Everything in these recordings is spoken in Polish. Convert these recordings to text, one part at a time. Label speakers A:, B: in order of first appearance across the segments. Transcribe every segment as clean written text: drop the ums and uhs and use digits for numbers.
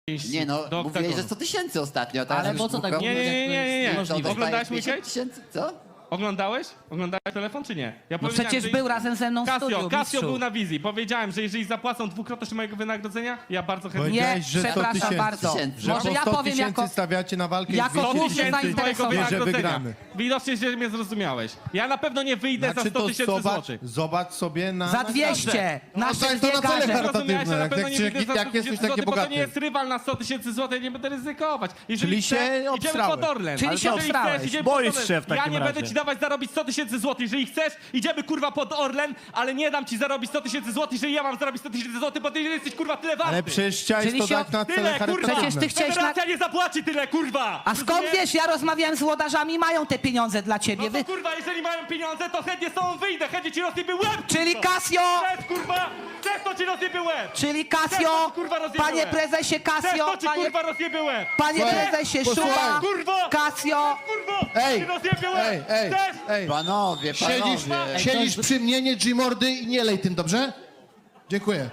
A: Nie no,
B: do
A: mówiłeś, że
B: oktagonu.
A: 100 tysięcy ostatnio. Teraz
C: Ale
A: już
C: po co tak
A: dwukrotnie.
B: Nie.
A: Co, dostajesz
B: Oglądałeś mój
A: 50
B: case?
A: tysięcy? Co?
B: Oglądałeś? Oglądałeś telefon, czy nie? Ja
C: No
B: powiedziałem,
C: przecież
B: że-
C: był razem ze mną w studiu,
B: Casio
C: mistrzu.
B: był na wizji. Powiedziałem, że jeżeli zapłacą dwukrotność mojego wynagrodzenia, ja bardzo chętnie...
C: Nie,
D: Powiedziałeś, że 100
C: przepraszam
D: tysięcy.
C: bardzo.
A: Tysięcy.
D: Że
C: Może
D: po
C: ja
D: 100
C: powiem
D: tysięcy
C: jako...
D: stawiacie na walkę
C: jako
D: 200
C: główny
D: tysięcy,
C: zainteresowany.
D: wie, że
B: wynagrodzenia.
D: wygramy.
B: Widocznie, że mnie zrozumiałeś. Ja na pewno nie wyjdę za
D: Znaczy
B: 100
D: to
B: tysięcy złotych.
D: zobacz sobie na...
C: Za 200! Nasze
D: to na cele
C: biegarze.
B: Zrozumiałeś, że na
D: jak-
B: pewno
D: jak-
B: nie
D: jak-
B: wyjdę za
D: jak
B: 100
D: jesteś
B: tysięcy
D: taki
B: złotych, bo to
D: bogaty.
B: nie jest rywal na 100 tysięcy złotych, ja nie będę ryzykować. Jeżeli
D: Czyli
B: chcesz,
D: się
B: idziemy
D: obstrałeś.
B: pod Orlen.
C: Czyli
B: Ale
C: się
B: jeżeli
C: obstrałeś.
B: chcesz, idziemy
E: Boisz
B: pod Orlen.
E: się w takim
B: Ja nie
E: razie.
B: będę ci dawać zarobić 100 tysięcy złotych. Jeżeli chcesz, idziemy kurwa pod Orlen, ale nie dam ci zarobić 100 tysięcy złotych, jeżeli ja mam zarobić 100 tysięcy złotych, bo ty jesteś kurwa tyle warty.
D: Ale przecież chciałeś
C: Czyli
D: to
C: się-
D: dać na cele
B: Tyle, kurwa!
D: charytatywne.
C: Przecież ty chciałeś na...
B: Federacja nie zapłaci tyle, kurwa!
C: A skąd
B: Rozumiesz?
C: wiesz, ja rozmawiałem z włodarzami, mają te pieniądze dla ciebie.
B: No
C: Wy...
B: to kurwa, jeżeli mają pieniądze, to chętnie z tobą wyjdę, chętnie ci rozsypię łeb!
C: Czyli
B: kurwa.
C: Casio!
B: Chcesz, kurwa! Chcesz, to ci rozsypię łeb!
C: Czyli
B: Chcesz, to
C: Casio!
B: ci, kurwa, rozjebie
C: Panie
B: łeb.
C: prezesie
B: Chcesz,
C: Casio!
B: to ci
C: Panie,
B: kurwa rozsypię łeb!
C: panie
D: Słuchaj,
C: prezesie
D: posłuchaj.
C: Szuba!
B: Kurwo!
C: Casio!
B: Kurwo!
D: Ej,
B: Ci rozsypię łeb!
D: ej, ej,
B: Chcesz?
D: ej.
A: Panowie,
D: Siedzisz,
A: panowie.
D: siedzisz przy mnie, nie G-mordy i nie lej tym, dobrze? Dziękuję.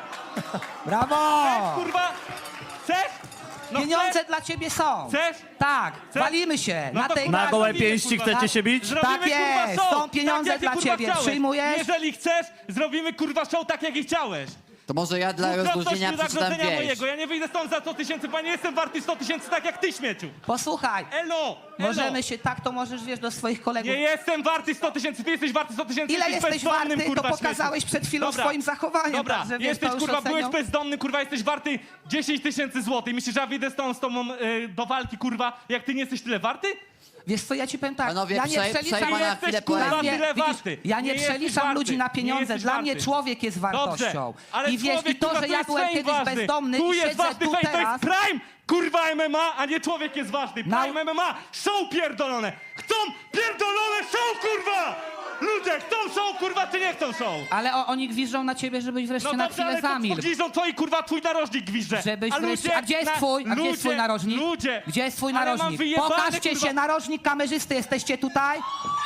C: Brawo!
B: Kurwa! Chcesz? No
C: Pieniądze
B: chcesz?
C: dla ciebie są!
B: Chcesz?
C: Tak,
B: Chcesz?
C: walimy się
B: No
C: na
B: to
C: tej
B: kurwa,
E: Na gołe
B: zrobimy,
E: pięści
B: kurwa.
E: chcecie się bić?
B: Zrobimy,
C: Tak jest,
B: kurwa, show,
C: są pieniądze
B: tak, jak
C: dla
B: ty, kurwa,
C: ciebie.
B: chciałeś.
C: Przyjmujesz?
B: Jeżeli chcesz, zrobimy kurwa show tak, jak i chciałeś.
A: To może ja dla rozluźnienia przeczytam
B: wynagrodzenia
A: wieś.
B: mojego. Ja nie wyjdę stąd za 100 tysięcy, bo ja nie jestem warty 100 tysięcy tak jak ty, śmieciu.
C: Posłuchaj,
B: Elo!
C: możemy się tak, to możesz, wiesz, do swoich kolegów.
B: Nie jestem warty 100 tysięcy, ty jesteś warty 100 tysięcy.
C: Ile
B: jesteś
C: jesteś
B: bezdomnym,
C: warty, to
B: kurwa,
C: pokazałeś
B: śmieciu.
C: przed chwilą
B: Dobra.
C: swoim zachowaniem.
B: Dobra,
C: także, wiesz,
B: jesteś
C: to już
B: kurwa, byłeś
C: ocenią.
B: bezdomny, kurwa, jesteś warty 10 tysięcy złotych. Myślisz, że ja wyjdę z tobą do walki, kurwa, jak ty nie jesteś tyle warty?
C: Wiesz co, ja ci powiem tak,
A: Panowie,
C: ja nie przeliczam...
A: przejmę na chwilę
B: Jesteś, kurwa,
A: poezji.
C: Dla mnie,
B: tyle
C: widzisz,
B: warty.
C: ja nie
B: jesteś
C: przeliczam
B: warty.
C: ludzi na
B: Nie
C: pieniądze.
B: jesteś
C: Dla mnie
B: warty.
C: człowiek jest wartością.
B: Dobrze, ale
C: I wiesz,
B: człowiek,
C: i to,
B: kurwa,
C: że ja
B: jest
C: byłem
B: fame
C: kiedyś
B: ważny.
C: bezdomny
B: Tu
C: i
B: jest
C: siedzę
B: ważny
C: tu
B: fame, to
C: teraz...
B: jest prime, kurwa, MMA, a nie człowiek jest ważny. Prime MMA, show pierdolone. Chcą pierdolone show, kurwa! Ludzie, chcą show, kurwa, czy nie chcą show?
C: Ale oni gwiżdżą na ciebie, żebyś wreszcie
B: No
C: na
B: dobrze,
C: chwilę
B: ale to
C: zamilkł.
B: gwiżdżą twoi, kurwa, twój narożnik gwizdże.
C: Żebyś
B: A
C: wreszcie...
B: ludzie
C: A gdzie jest
B: na-
C: twój? A gdzie jest twój
B: ludzie,
C: narożnik?
B: Ludzie.
C: Gdzie jest twój
B: Ale mam
C: narożnik?
B: wyjebane,
C: Pokażcie
B: kurwa.
C: się, narożnik kamerzysty, jesteście tutaj?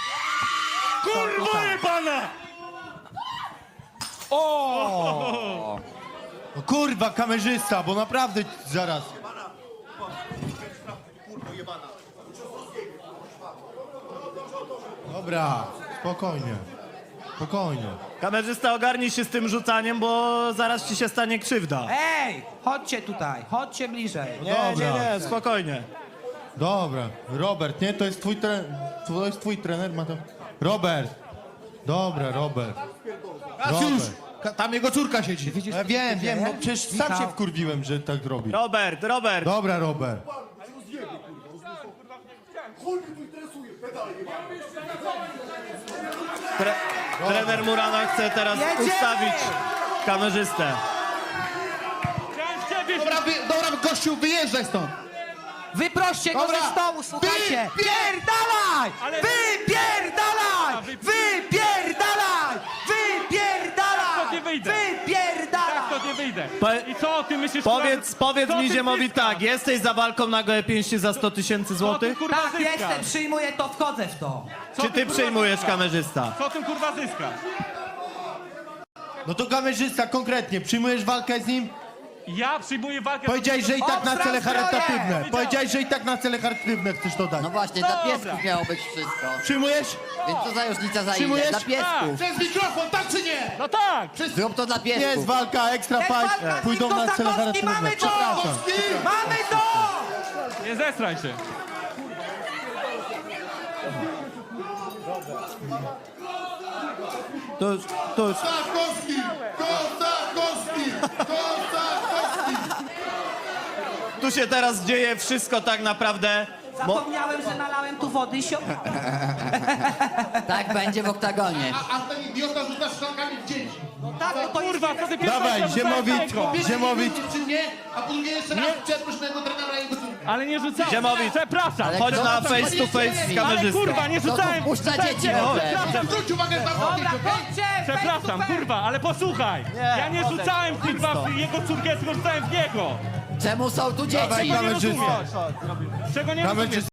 B: Kurwa jebana!
D: O, kurwa, kamerzysta, bo naprawdę zaraz. Dobra, spokojnie. Spokojnie.
E: Kamerzysta, ogarnij się z tym rzucaniem, bo zaraz ci się stanie krzywda.
C: Ej, chodźcie tutaj, chodźcie bliżej.
E: Nie, spokojnie.
D: Dobra, Robert, nie? To jest twój trener. To jest twój trener, ma to. Robert. Dobra, Robert.
F: Kasiusz, tam jego córka siedzi.
D: Ja wiem, wiem, no przecież sam
C: Michał.
D: się wkurwiłem, że tak robi.
E: Robert.
D: Dobra, Robert.
E: Trener Murana chce teraz
C: Jedziemy!
E: ustawić kamerzystę.
B: Chciałem z ciebie
F: Dobra, gościu, wyjeżdżaj stąd.
C: Wyproście go
F: Dobra.
C: ze stołu, słuchajcie!
F: Wy-
C: Pierdalaj!
B: Ale-
C: Wypierdalaj! Wypierdalaj! Wypierdalaj!
B: Tak to nie wyjdę.
C: Wypierdalaj!
B: Tak, to nie wyjdę.
E: Po-
B: I co ty myślisz,
E: Powiedz
B: co
E: mi
B: ty
E: Ziemowi
B: zyskasz?
E: tak, jesteś za walką na gołe pięści za 100 tysięcy
B: Co ty,
E: złotych?
B: kurwa,
C: Tak,
B: zyskasz?
C: jestem, przyjmuję to, wchodzę w to.
B: Co
E: Czy ty
B: kurwa,
E: przyjmujesz
B: zyskasz?
E: kamerzysta?
B: Co ty kurwa zyskasz?
D: No to kamerzysta, konkretnie, przyjmujesz walkę z nim?
B: Ja przyjmuję walkę...
D: Powiedziałeś, że i tak na cele
C: Obstrał
D: charytatywne.
C: zbroję!
D: Powiedziałeś, że i tak na cele charytatywne chcesz to dać.
A: No właśnie, dla
B: Dobra.
A: piesków miało być wszystko.
D: Przyjmujesz?
A: Więc co za różnica za ile?
D: Przyjmujesz?
A: Dla piesków.
F: Przez mikrofon, tak czy nie?
B: No tak!
A: Zrób to dla
D: Jest
A: piesków.
D: walka, extra
C: Jest
D: fight,
C: walka,
D: pójdą na cele
C: Kosakowski,
D: charytatywne.
C: mamy to!
D: Przepraszam.
C: Mamy to!
B: Nie zestraj się.
E: To już.
F: Kosakowski! Kosakowski! Kosakowski!
E: Tu się teraz dzieje wszystko tak naprawdę.
C: Zapomniałem, że nalałem tu wody i się...
A: Tak będzie w oktagonie.
F: A ten idiota rzuca szklankami w dzieci.
C: Tak, no to
B: Kurwa, co ty
D: Dawaj, Ziemowicz, Ziemowicz.
F: Czy mnie? A po drugie jeszcze raz przeproś mojego trenera i jego córkę.
B: Ale nie rzucałem.
E: Ziemowicz.
B: Przepraszam.
A: Ale
E: Chodź
A: kto
E: na
A: to
E: face to face z
B: Ale
E: kamerzystą.
B: kurwa, nie
A: No to
B: rzucałem.
A: wpuszcza dzieci w ogóle.
F: Zwróć uwagę na to,
C: Dobra, chodźcie!
B: Przepraszam, kurwa, ale posłuchaj. Ja nie rzucałem kurwa w jego córkę, tylko rzucałem w niego.
A: Czemu są tu
D: Dawaj,
A: dzieci?
B: Czego nie
D: kamerzysta.
B: rozumiesz? Czego nie rozumiesz?
D: Kamerzysta.